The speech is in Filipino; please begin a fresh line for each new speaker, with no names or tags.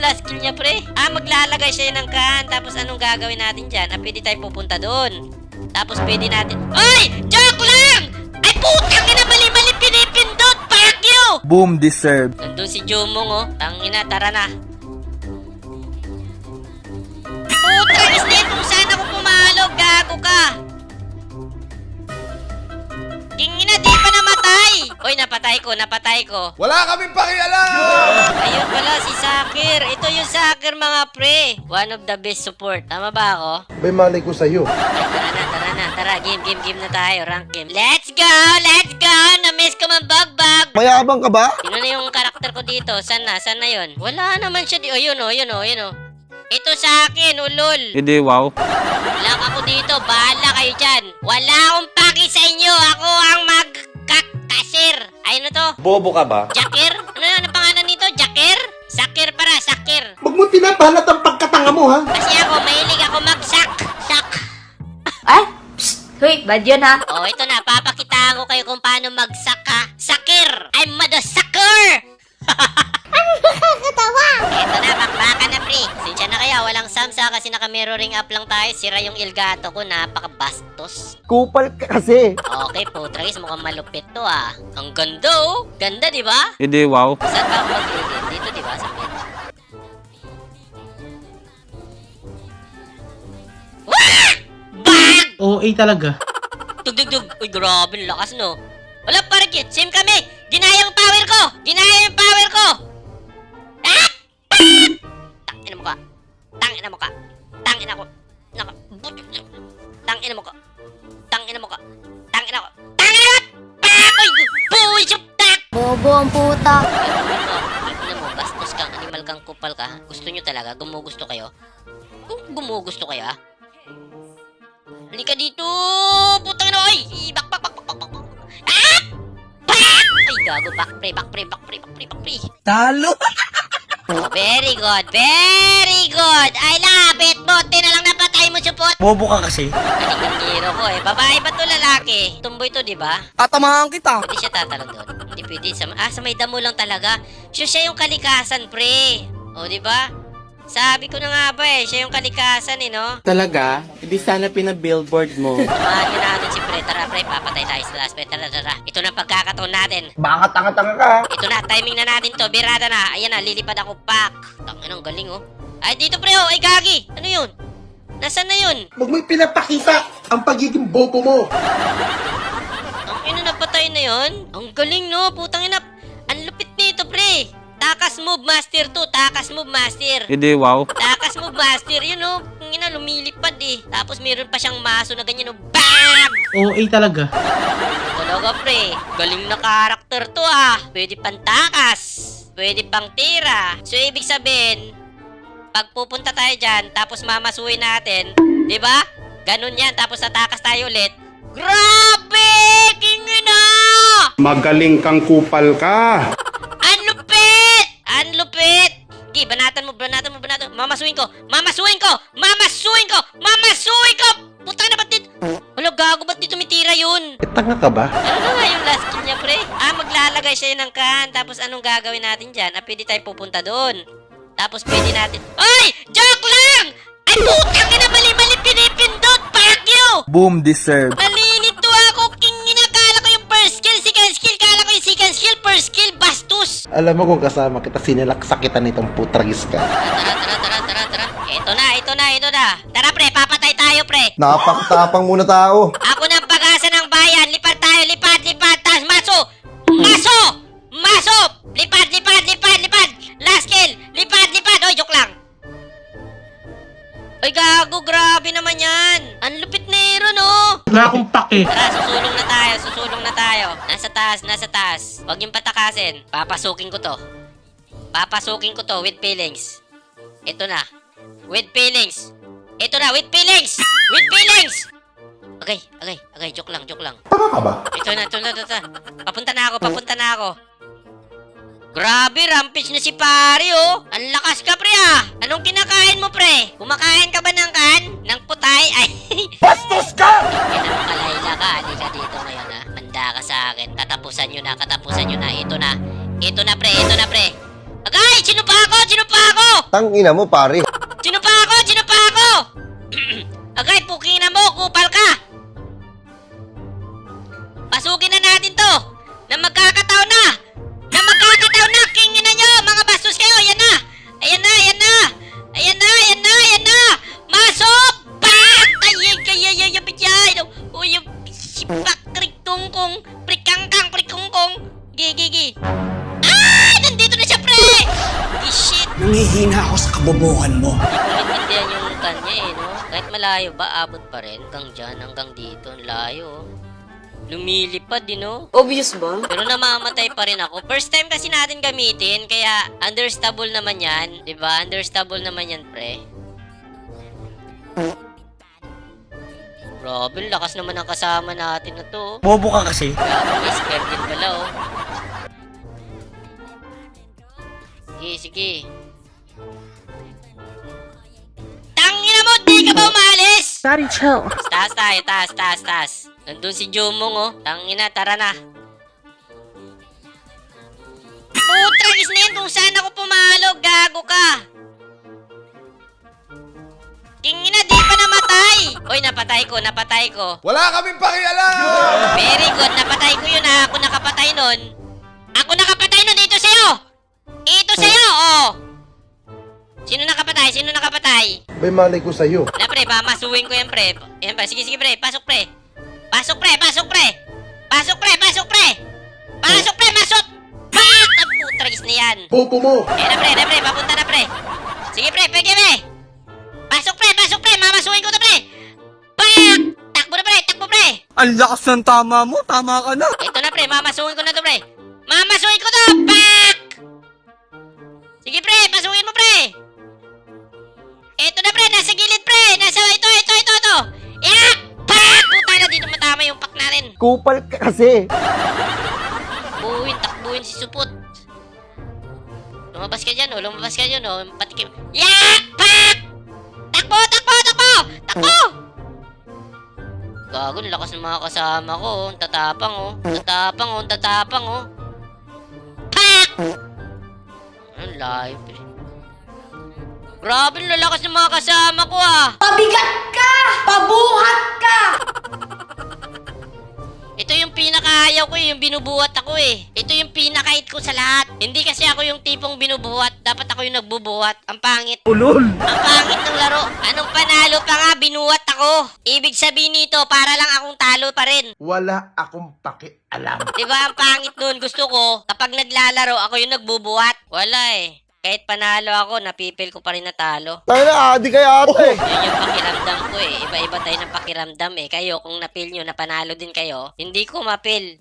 last kill niya, pre? Maglalagay siya ng can. Tapos anong gagawin natin dyan? Pwede tayo pupunta doon. Tapos pwede natin... Ay! Joke lang! Ay, putang ina, mali-mali pinipindot! Fuck you!
Boom deserve.
Nandun si Jumong, oh. Tangina, tara na. Putang ina, kung saan ako pumalo, gago ka. Kingina, di pa namatay! Oy, napatay ko.
Wala kaming pakialam!
Ayun pala, si Sakir. Ito yung Sakir, mga pre. One of the best support. Tama ba ako?
May malay ko sa'yo.
Tara na. Tara, game na tayo. Rank game. Let's go! Na-miss ko man bagbag.
Mayabang ka ba?
Sino na yung karakter ko dito? Saan na yun? Wala naman siya. Yun o. Ito sa akin, ulol.
Hindi, wow.
Wala ako dito. Bahala kayo dyan. Wala akong paki sa inyo. Ako ang magkakasir. Ayun na to.
Bobo ka ba?
Jakir? Ano pangalan nito? Jakir? Sakir para, Sakir.
Huwag mo pinapalat ang pagkatanga mo, ha?
Kasi ako, mahilig ako mag-sak.
Ay! Psst! Hoy, bad yun ha?
Oh, ito na. Papakitaan ko kayo kung paano mag-sak ha. Sakir! I'm motherfucker!
Nakakatawa!
Ito na, bakbakan na, pre. Sinsya na kaya, walang samsa kasi naka-mirroring up lang tayo. Sira yung Elgato ko, napaka-bastos.
Kupal ka kasi.
Okay, putragis, mukhang malupit to ah. Ang ganda oh. Ganda, di ba?
Hindi, wow.
Saan ba ako mag-edit? Dito, di ba? Sa pin. Wah! Bang!
OA talaga.
Tugdugdug. Uy, grabe, lakas no. Wala pa rin kit. Same kami. Ginaya yung power ko. Ah! Tangina mo ka. Tangina mo ka. Tangina ko. Tangina mo ka. Tangina mo ka. Tangina ko. Tangina ko! Uy! Buwi siya! Tak!
Bobo ang puta.
Tignan mo, bastos kang animal kang kupal ka. Gusto nyo talaga? Gumugusto kayo? Gumugusto kayo ha? Halika dito! Putang ina! Ay! Bak! Ah! Bak! Ay, gago! Back pre!
Talo!
Oh, very good! I love it! Bote na lang napatay mo, support!
Bobo ka kasi.
Galing ng hero ko eh. Babae ba to lalaki? Tumboy to, di ba?
Tatamahan kita.
Pwede siya tatalon doon. Hindi pwede. Sa may damo lang talaga. Siya yung kalikasan, pre. O, di ba? Sabi ko na nga ba eh. Siya yung kalikasan eh, no?
Talaga? Hindi sana pina-billboard mo.
Samahan nyo natin si pre. Tara, pre. Papatay tayo sa last pre. Tara. Ito na pagkakataon natin.
Baka tanga-tanga ka.
Ito na. Timing na natin to. Birada na. Ayan na. Lilipad ako. Pak. Tangin ang galing, oh. Ay, dito, pre. Oh. Ay, gagi. Ano yun? Nasaan na yun?
Huwag mo pinapakita ang pagiging bobo mo.
Ang ina, napatay na yun? Ang galing, no? Putang ina. Ang lupit nito, pre. Takas move master to. Takas move master.
Hindi, wow.
Takas move master. Yun, no? Ang ina, lumilipad eh. Tapos meron pa siyang maso na ganyan, no? BAM!
OA talaga.
Talaga, pre. Galing na karakter to, ah. Pwede pang takas. Pwede pang tira. So, ibig sabihin, pag pupunta tayo dyan, tapos mamasuhin natin, di ba? Ganun yan, tapos tatakas tayo ulit. Grabe! Kingina!
Magaling kang kupal ka.
Ang lupit! Ang lupit! Okay, banatan mo. Mamasuhin ko! Putang na, ba't dito? Wala, gago, ba't dito may tira yun?
Tanga ka ba?
Ano nga yung last kill niya, pre? Maglalagay siya ng can. Tapos anong gagawin natin dyan? Pwede tayo pupunta doon. Tapos pwede natin... Ay! Joke lang! Ay, putang ina, mali-mali pinipindot! Fuck you!
Boom deserve.
Nalilito ako! Kala ko yung first skill, second skill. Kala ko yung second skill, first skill, bastos!
Alam mo kung kasama kita, sinilaksakitan nitong putragis ka.
Tara. Ito na. Tara, pre, papatay tayo, pre.
Napakatapang muna tao.
Ako na ang pag-asa ng bayan. Lipad tayo, lipad. Tas, maso! Lipad! Last kill! Lipad! Oy, joke lang. Ay, gago, grabe naman yan. Ang lupit na hero, no?
Wala akong pake.
Tara, susulong na tayo. Nasa taas. Huwag yung patakasin. Papasukin ko to with feelings. Ito na. With feelings. Okay, joke lang.
Tanga ka ba?
Ito na. Papunta na ako. Grabe, rampage na si pare, oh. Ang lakas ka, pre, ah. Anong kinakain mo, pre? Kumakain ka ba ng kan? Ng putay? Ay.
Bastos ka!
Kalayla ka. Halika dito ngayon, ha. Manda ka sa akin. Katapusan nyo na. Ito na, pre. Agay! Sino pa ako?
Tangina mo, pare.
Sino pa ako? Sino pa ako? Agay, pukina mo, kupal ka! Pasukin na natin to! Na magkakataon na! Na magkakataon na! Kingin na nyo! Mga bastos kayo! Ayan na! Ayan na! Ayan na! Ayan na! Ayan na! Ayan na! Masok! Pak! Ayan kaya yung bitay! O yung sipak kriktungkong prikangkang prikungkong gigi. Ah! Nandito na siya, pre! Shit!
Nangihina ako sa kabobohan mo.
Hindi ko maintindihan yung kanya eh, no? Kahit malayo ba, abot pa rin. Hanggang dyan, hanggang dito. Ang layo, oh. Lumilipad, din, no?
Obvious ba?
Pero namamatay pa rin ako. First time kasi natin gamitin, kaya understable naman yan. Diba? Understable naman yan, pre. Grabe, lakas naman ang kasama natin na to.
Bobo ka kasi.
Grabe, may scared din pala, oh. Sige, sige. Tangina mo, di ka ba umalis?
Sorry, chill.
Taas tayo, taas. Nandun si Jomong, oh. Tangina, tara na. Putragis na yan kung saan ako pumalo. Gago ka. Kingina, di pa namatay. Oy, napatay ko.
Wala kaming pakialam!
Very good, napatay ko yun, ha. Ako nakapatay nun. Ito sa'yo. Ito sa'yo, oh. Sino nakapatay?
May malay ko sa'yo.
Na, pre, mamasuwin ko yan, pre. Yan, pre. Sige, pre. Pasok, pre. Pasok, pre. Pasok, Pak! Ang putragis na yan.
Bobo mo!
Na, pre. Papunta na, pre. Sige, pre. Pwede, pre. Pasok, pre. Mamasuwin ko to, pre. Pak! Takbo na, pre.
Ang lakas ng tama mo. Tama ka na.
Ito na, pre. Mamasuwin ko na to, pre. Pak! Sige, pre. Pasukin mo, pre. Ito na, pre. Nasa gilid, pre. Ito. Yak! Pak! Puta na, dito matama yung pak natin.
Kupal ka kasi.
Takbuhin si Supot. Lumabas ka dyan, oh. Patikim. Yak! Pak! Takbo! Gago, lakas ng mga kasama ko, oh. Ang tatapang, oh. Pak! Ang layo, pre. Grabe, ang lalakas ng mga kasama ko, ah.
Pabigat ka! Pabuhat ka!
Ito yung pinakaayaw ko, yung binubuhat ako, eh. Ito yung pinakait ko sa lahat. Hindi kasi ako yung tipong binubuhat. Dapat ako yung nagbubuhat. Ang pangit.
Ulol.
Ang pangit ng laro. Anong panalo pa nga, binuhat ako. Ibig sabihin nito, para lang akong talo pa rin.
Wala akong pakialam.
Diba ang pangit nun? Gusto ko, kapag naglalaro, ako yung nagbubuhat. Wala eh. Kahit panalo ako, napipil ko pa rin na talo.
Tangina, adi kaya ate.
Yun yung pakiramdam ko eh. Iba-iba tayo ng pakiramdam eh. Kayo, kung napil nyo, napanalo din kayo, hindi ko mapil.